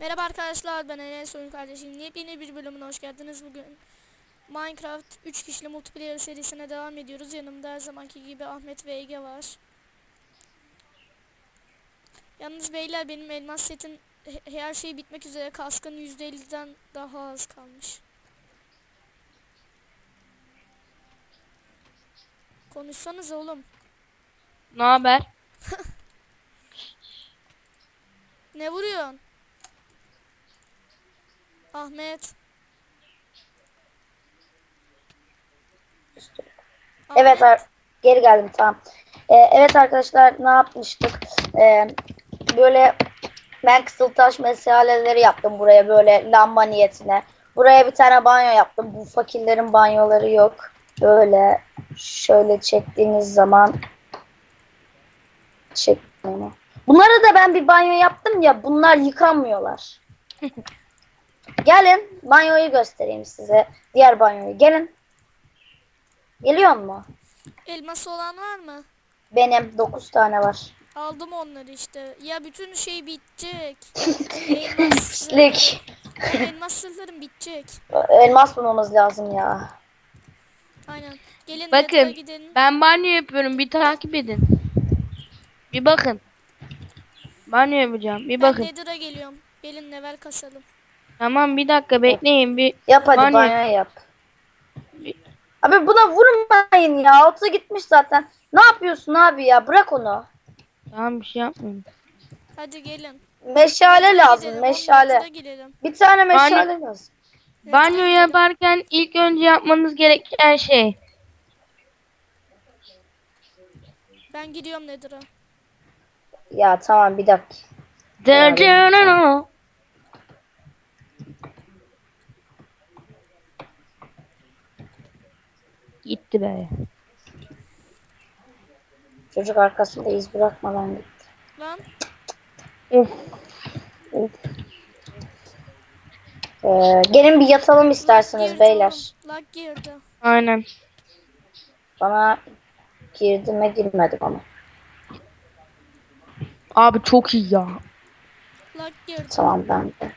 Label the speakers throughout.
Speaker 1: Merhaba arkadaşlar, ben Enes Oyun Kardeşim. Yepyeni bir bölümüne hoş geldiniz. Bugün Minecraft 3 kişili multiplayer serisine devam ediyoruz. Yanımda her zamanki gibi Ahmet ve Ege var. Yalnız beyler, benim elmas setim her şey bitmek üzere. Kaskın %50'den daha az kalmış. Konuşsanız oğlum.
Speaker 2: Ne haber?
Speaker 1: Ne vuruyorsun? Ahmet.
Speaker 3: Evet,
Speaker 1: Ahmet.
Speaker 3: geri geldim, tamam. Evet arkadaşlar, ne yapmıştık? Böyle ben kısıltaş mesaleleri yaptım buraya, böyle lamba niyetine. Buraya bir tane banyo yaptım. Bu fakirlerin banyoları yok. Böyle şöyle çektiğiniz zaman çekmiyor. Bunlara da ben bir banyo yaptım ya, bunlar yıkanmıyorlar. Gelin banyoyu göstereyim size. Diğer banyoyu. Gelin. Geliyor mu?
Speaker 1: Elması olan var mı?
Speaker 3: Benim 9 tane var.
Speaker 1: Aldım onları işte. Ya bütün şey bitecek. Elmas.
Speaker 3: Pislik.
Speaker 1: Elmas sırlarım bitecek.
Speaker 3: Elmas bulmamız lazım ya.
Speaker 1: Aynen. Gelin Nether'a
Speaker 2: Bakın
Speaker 1: gidelim.
Speaker 2: ben banyo yapıyorum, bir takip edin. Bir bakın. Banyo yapacağım, bir
Speaker 1: Ben
Speaker 2: bakın.
Speaker 1: Nether'a geliyorum. Gelin level kasalım.
Speaker 2: Tamam, bir dakika bekleyin, bir
Speaker 3: Yap hadi,
Speaker 2: banyo.
Speaker 3: banyo yap. Abi buna vurmayın ya. Altı gitmiş zaten. Ne yapıyorsun abi ya? Bırak onu.
Speaker 2: Tamam, bir şey yapmayın.
Speaker 1: Hadi gelin.
Speaker 3: Meşale
Speaker 1: Nether'a
Speaker 3: lazım.
Speaker 1: gidelim. Oğlum Nether'a
Speaker 3: Meşale.
Speaker 1: gidelim.
Speaker 3: Bir tane
Speaker 2: Banyo,
Speaker 3: meşale lazım.
Speaker 1: Nether'a
Speaker 2: banyo
Speaker 1: gidelim.
Speaker 2: yaparken ilk önce yapmanız gereken şey.
Speaker 1: Ben gidiyorum Nether'a.
Speaker 3: Ya tamam, bir dakika. Beraber gideceğim.
Speaker 2: Gitti be.
Speaker 3: Çocuk arkasında iz bırakmadan gitti.
Speaker 1: Lan.
Speaker 2: Of.
Speaker 3: Gelin bir yatalım
Speaker 1: Lag
Speaker 3: isterseniz
Speaker 1: girdi
Speaker 3: beyler.
Speaker 1: oğlum. Lag girdi.
Speaker 2: Aynen.
Speaker 3: Bana girdi mi girmedi bana.
Speaker 2: Abi çok iyi ya.
Speaker 1: Lag girdi.
Speaker 3: Tamam, ben de.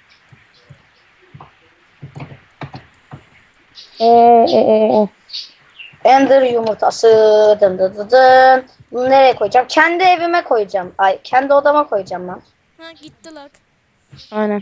Speaker 2: Oo.
Speaker 3: Ender yumurtası. Dın dın dın dın. Bunu nereye koyacağım? Kendi evime koyacağım. Ay, kendi odama koyacağım lan.
Speaker 1: Ha gitti lag.
Speaker 2: Aynen.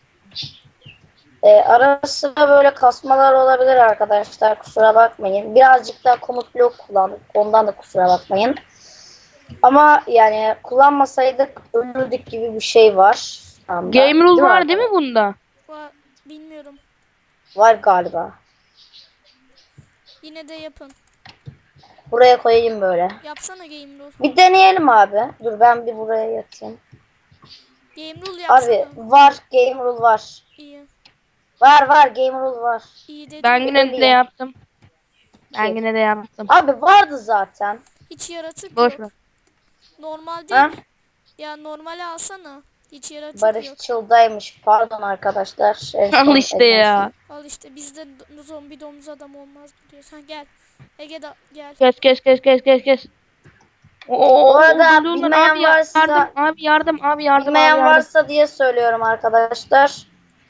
Speaker 3: Ara sıra böyle kasmalar olabilir arkadaşlar. Kusura bakmayın. Birazcık daha komut blok kullandık. Ondan da kusura bakmayın. Ama yani kullanmasaydık ölürdük gibi bir şey var. Anda.
Speaker 2: Game rule var değil mi
Speaker 3: arkadaşlar?
Speaker 2: bunda?
Speaker 1: Bilmiyorum.
Speaker 3: Var galiba.
Speaker 1: Yine de yapın.
Speaker 3: Buraya koyayım böyle.
Speaker 1: Yapsana game rule.
Speaker 3: Bir deneyelim abi. Dur, ben bir buraya yatayım.
Speaker 1: Game rule yapsana.
Speaker 3: Abi var, game rule var.
Speaker 1: İyi.
Speaker 3: Var game rule var.
Speaker 1: İyi dedim.
Speaker 2: Ben yine de yaptım. Ben
Speaker 3: Kim?
Speaker 2: yine de yaptım.
Speaker 3: Abi vardı zaten.
Speaker 1: Hiç yaratık
Speaker 2: Boş
Speaker 1: yok.
Speaker 2: ver.
Speaker 1: Normal
Speaker 3: Ha?
Speaker 1: değil. Ya normale alsana. Hiç yaratık
Speaker 3: Barış
Speaker 1: yok.
Speaker 3: Çıl'daymış. Pardon arkadaşlar. En
Speaker 2: Al
Speaker 3: son
Speaker 2: işte ya.
Speaker 1: Al işte bizde zombi domuz adam olmaz diyorsan gel. Ege da gel.
Speaker 2: Kes.
Speaker 3: Bu arada
Speaker 2: Dur,
Speaker 3: bilmeyen
Speaker 2: abi
Speaker 3: varsa
Speaker 2: yardım.
Speaker 3: bilmeyen varsa diye söylüyorum arkadaşlar.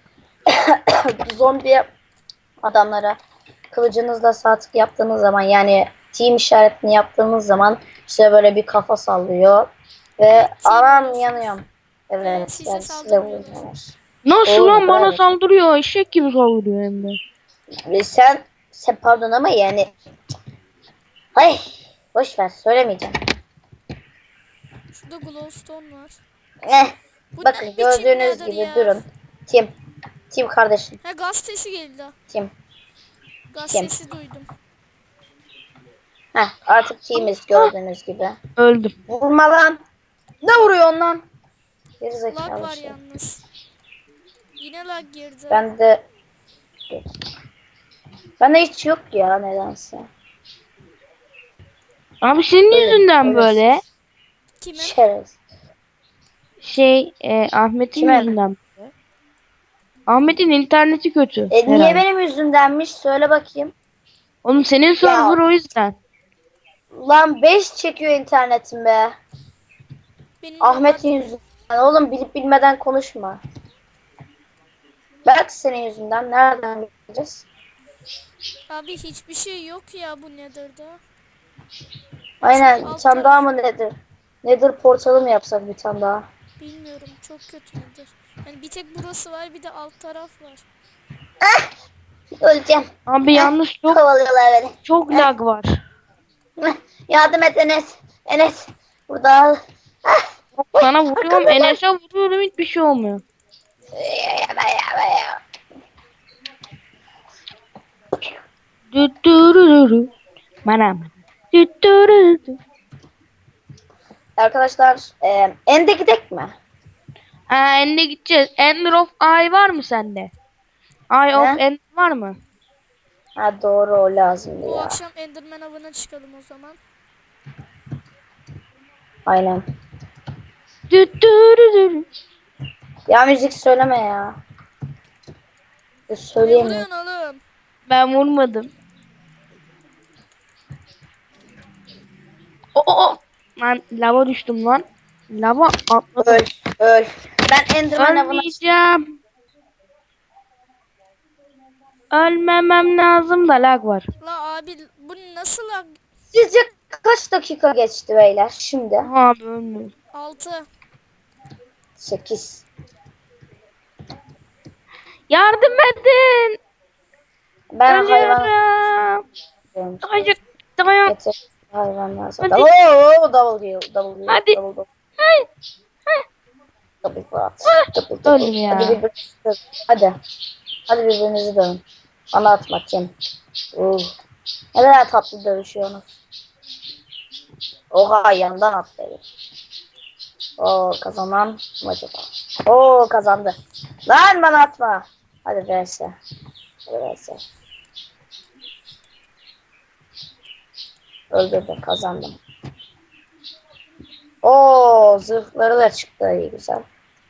Speaker 3: Zombi adamlara kılıcınızla sağ tık yaptığınız zaman, yani team işaretini yaptığınız zaman size böyle bir kafa sallıyor ve
Speaker 1: Team
Speaker 3: aram
Speaker 1: oluyorsunuz.
Speaker 3: yanıyorum. Evet,
Speaker 1: size
Speaker 3: yani size
Speaker 1: saldırmıyorlar.
Speaker 3: vuruyorlar.
Speaker 2: Nasıl
Speaker 3: Doğru,
Speaker 2: lan bana
Speaker 3: evet.
Speaker 2: saldırıyor? Eşek gibi saldırıyor hem de.
Speaker 3: Ve sen pardon ama yani ay, boş ver, söylemeyeceğim.
Speaker 1: Şurada glowstone var. Bu
Speaker 3: Bakın
Speaker 1: ne biçim
Speaker 3: gördüğünüz
Speaker 1: nether
Speaker 3: gibi
Speaker 1: ya?
Speaker 3: durun. Tim kardeşim.
Speaker 1: Ha gaz sesi geldi.
Speaker 3: Tim.
Speaker 1: Gaz
Speaker 3: Kim?
Speaker 1: sesi duydum.
Speaker 3: Artık teamiz gördüğünüz gibi.
Speaker 2: Öldüm.
Speaker 3: Vurma lan. Ne vuruyorsun lan?
Speaker 1: Lag
Speaker 3: Gerizekalı
Speaker 1: var
Speaker 3: şey.
Speaker 1: yalnız. Yine lag girdi.
Speaker 3: Bende hiç yok ya nedense.
Speaker 2: Abi senin
Speaker 3: Öyle,
Speaker 2: yüzünden
Speaker 3: öyle.
Speaker 2: böyle.
Speaker 1: Kimin?
Speaker 3: Şerez.
Speaker 2: Ahmet'in
Speaker 3: Kimin?
Speaker 2: yüzünden böyle. Ahmet'in interneti kötü.
Speaker 3: Niye
Speaker 2: herhalde.
Speaker 3: benim yüzümdenmiş? Söyle bakayım.
Speaker 2: Oğlum senin server o yüzden.
Speaker 3: Lan 5 çekiyor internetim be.
Speaker 1: Benim
Speaker 3: Ahmet'in
Speaker 1: normal-
Speaker 3: yüzünden. Oğlum bilip bilmeden konuşma. Belki senin yüzünden. Nereden bileceğiz?
Speaker 1: Abi hiçbir şey yok ya bu Nether'da.
Speaker 3: Aynen, bir
Speaker 1: Alt
Speaker 3: tane daha
Speaker 1: taraf.
Speaker 3: mı nedir? Nedir portalı mı yapsak bir tane daha?
Speaker 1: Bilmiyorum, çok kötü Nether. Yani bir tek burası var, bir de alt taraf var.
Speaker 3: Öleceğim.
Speaker 2: Abi yalnız
Speaker 3: Kovalıyorlar beni.
Speaker 2: çok lag var.
Speaker 3: Yardım et Enes. Enes. Burada al.
Speaker 2: Sana vuruyorum, Enes'e vuruyorum, hiçbir şey olmuyor. Düttürürürü. Bana. Düttürürürü.
Speaker 3: Arkadaşlar Ende gidek mi?
Speaker 2: Ende gideceğiz. Ender of Eye var mı sende? Eye of
Speaker 3: Ne?
Speaker 2: End var mı?
Speaker 3: Ha doğru, o lazımdı
Speaker 1: Bu
Speaker 3: ya.
Speaker 1: akşam Enderman avına çıkalım o zaman.
Speaker 3: Aynen.
Speaker 2: Düttürürürü.
Speaker 3: Ya müzik söyleme ya.
Speaker 1: Ne
Speaker 3: Söyleyemiyorum.
Speaker 1: vuruyorsun oğlum?
Speaker 2: Ben vurmadım. O. Lan lava düştüm lan. Lava atladım.
Speaker 3: Öl. Öl. Ben Enderman avına...
Speaker 2: Ölmeyeceğim. Ölmemem lazım da lag var.
Speaker 1: La abi bu nasıl lag?
Speaker 3: Sizce kaç dakika geçti beyler şimdi?
Speaker 2: Abi ölmüyorum.
Speaker 1: 6.
Speaker 3: 8.
Speaker 2: Yardım edin.
Speaker 3: Ben hayvan...
Speaker 2: Ölüyorum. Hayır. Dayan.
Speaker 3: Getir. Hayvanlar
Speaker 2: Hadi.
Speaker 3: zaten. Oo, double kill. Double kill.
Speaker 2: Hadi.
Speaker 3: Double.
Speaker 2: Hayır.
Speaker 3: Double kill. Double
Speaker 2: Öldüm
Speaker 3: double.
Speaker 2: ya.
Speaker 3: Hadi birbirinizi dövün. Hadi. Hadi birbirinizi dövün. Bana atma Kim. Ne kadar tatlı dövüşüyorsunuz. Oha, yandan attı. Oo, kazanan mı acaba? Oo, kazandı. Lan bana atma. Hadi vs. Hadi vs. Öldürdüm, kazandım. Oo, zırhları da çıktı, iyi güzel.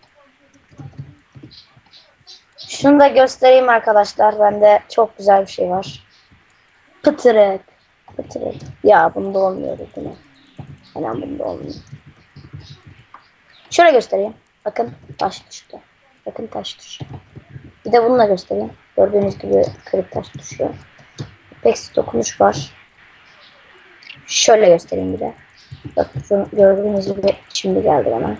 Speaker 3: Şunu da göstereyim arkadaşlar. Bende çok güzel bir şey var. Pıtırık. Pıtırık. Ya bunda olmuyor değil mi? Hemen bunda olmuyor. Şöyle göstereyim. Bakın taş düştü. Bakın taş düşüyor. Bir de bununla göstereyim. Gördüğünüz gibi kırık taş düşüyor. Pek dokunuş var. Şöyle göstereyim bir de. Bakın gördüğünüz gibi şimdi geldi bana.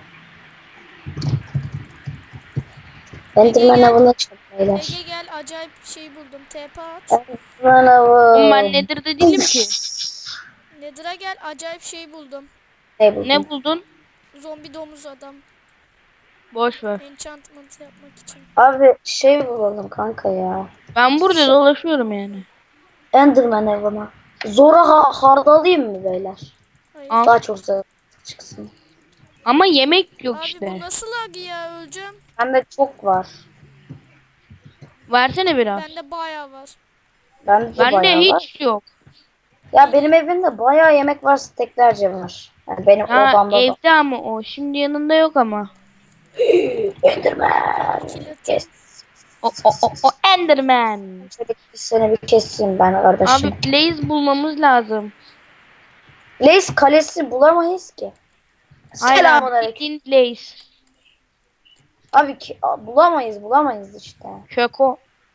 Speaker 3: Enderman avına çıktı beyler.
Speaker 1: Ege gel, acayip bir şey buldum. TP at.
Speaker 3: Enderman avı.
Speaker 2: Ben nedir de değilim ki.
Speaker 1: Nether'a gel, acayip şey buldum.
Speaker 3: Ne buldun?
Speaker 2: Ne buldun?
Speaker 1: Zombi domuz adam.
Speaker 2: Boş ver.
Speaker 1: Enchantment yapmak için.
Speaker 3: Abi şey bulalım kanka ya.
Speaker 2: Ben burada dolaşıyorum yani.
Speaker 3: Enderman avına. Zora hardalayayım mı beyler?
Speaker 1: Hayır.
Speaker 2: Al.
Speaker 3: Daha çok zor çıksın.
Speaker 2: Ama yemek yok
Speaker 1: Abi
Speaker 2: işte.
Speaker 1: bu nasıl lag ya, öleceğim.
Speaker 3: Bende çok var.
Speaker 2: Versene biraz.
Speaker 1: Bende bayağı var.
Speaker 3: Bende de
Speaker 2: Bende
Speaker 3: bayağı var.
Speaker 2: hiç yok.
Speaker 3: Ya benim evimde bayağı yemek var, steklerce var. Yani benim
Speaker 2: Ha,
Speaker 3: odamda da.
Speaker 2: evde ama o. Şimdi yanında yok ama.
Speaker 3: Enderman. Kes.
Speaker 2: O Enderman.
Speaker 3: Şöyle seni bir keseyim ben kardeşim.
Speaker 2: Abi Blaze bulmamız lazım.
Speaker 3: Lace kalesi bulamayız ki.
Speaker 2: Aynen.
Speaker 3: Selamünaleyküm.
Speaker 2: Bildiğin Blaze.
Speaker 3: Abi bulamayız işte.
Speaker 2: Şoko.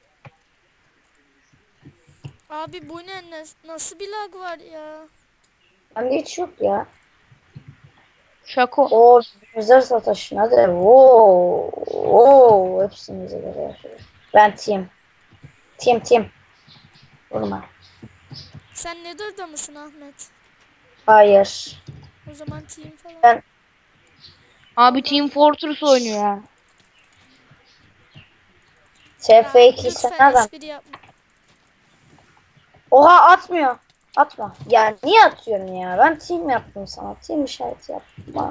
Speaker 1: Abi bu ne? Nasıl bir lag var ya?
Speaker 3: Bende hiç yok ya.
Speaker 2: Şoko.
Speaker 3: O güzel sataşın hadi. Oo, hepsimize göre yaşıyoruz. Ben team. Vurma.
Speaker 1: Sen Nether'da mısın Ahmet?
Speaker 3: Hayır.
Speaker 1: O zaman team falan.
Speaker 3: Ben
Speaker 2: Abi Team Fortress oynuyor ya.
Speaker 3: TF2 sen
Speaker 1: lütfen
Speaker 3: nereden?
Speaker 1: espri yapma.
Speaker 3: Oha, atmıyor. Atma. Ya niye atıyorsun ya? Ben team yaptım sana. Team işareti yaptım. Bana.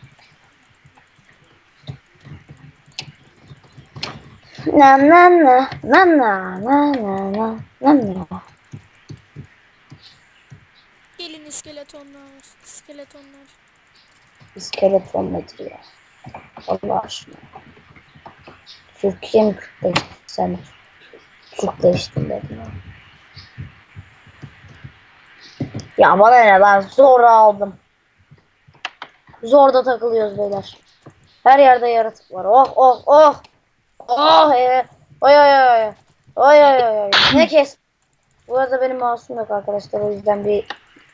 Speaker 3: Na.
Speaker 1: Gelin iskeletonlar. İskeletonlar.
Speaker 3: İskeleton nedir ya? Allah aşkına. Türkiye mi Kürtleşti? Sen Türkleştin dedim ya. Ya bana ne, ben zor aldım. Zorda takılıyoruz beyler. Her yerde yaratık var. Oh. Oy oy oy. Oy oy oy oy. Ne kes? Bu arada benim mouse'um yok arkadaşlar. O yüzden bir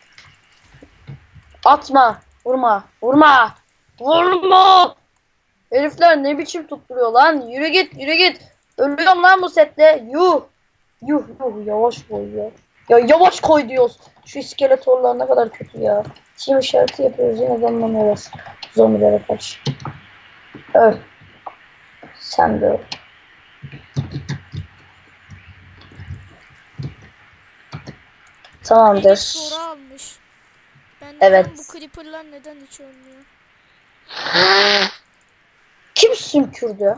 Speaker 3: atma. Vurma. Vurma. Vurma. Herifler ne biçim tutturuyor lan? Yürü git, yürü git. Ölüyorum lan bu sette. Yuh. Yuh yuh yavaş koy ya. Ya yavaş koy diyoruz. Şu iskeletorlar ne kadar kötü ya. Çim işareti yapıyoruz yine de anlamıyoruz. Zombilere karşı. Öl. Sen de öl. Tamamdır.
Speaker 1: Soru almış. Ben
Speaker 3: Evet.
Speaker 1: neden bu creeper'lar neden hiç ölmüyor?
Speaker 3: Kim sümkürdü?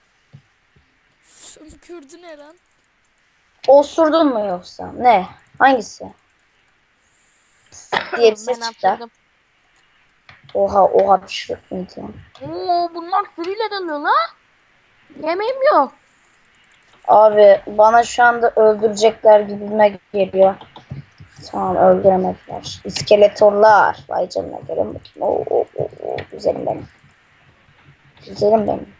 Speaker 1: Sümkürdü ne lan?
Speaker 3: Osurdun mu yoksa? Ne? Hangisi? Diye bir ses
Speaker 2: Ben
Speaker 3: çıktı.
Speaker 2: atladım.
Speaker 3: Oha oha bir şey mıydı?
Speaker 2: Oo, bunlar sürüyle dalıyor la. Yemeğim yok.
Speaker 3: Abi bana şu anda öldürecekler gibime geliyor. Tamam öldüremediler. İskeletorlar. Vay canına gelin bakayım. Oo, güzelim benim. Güzelim benim.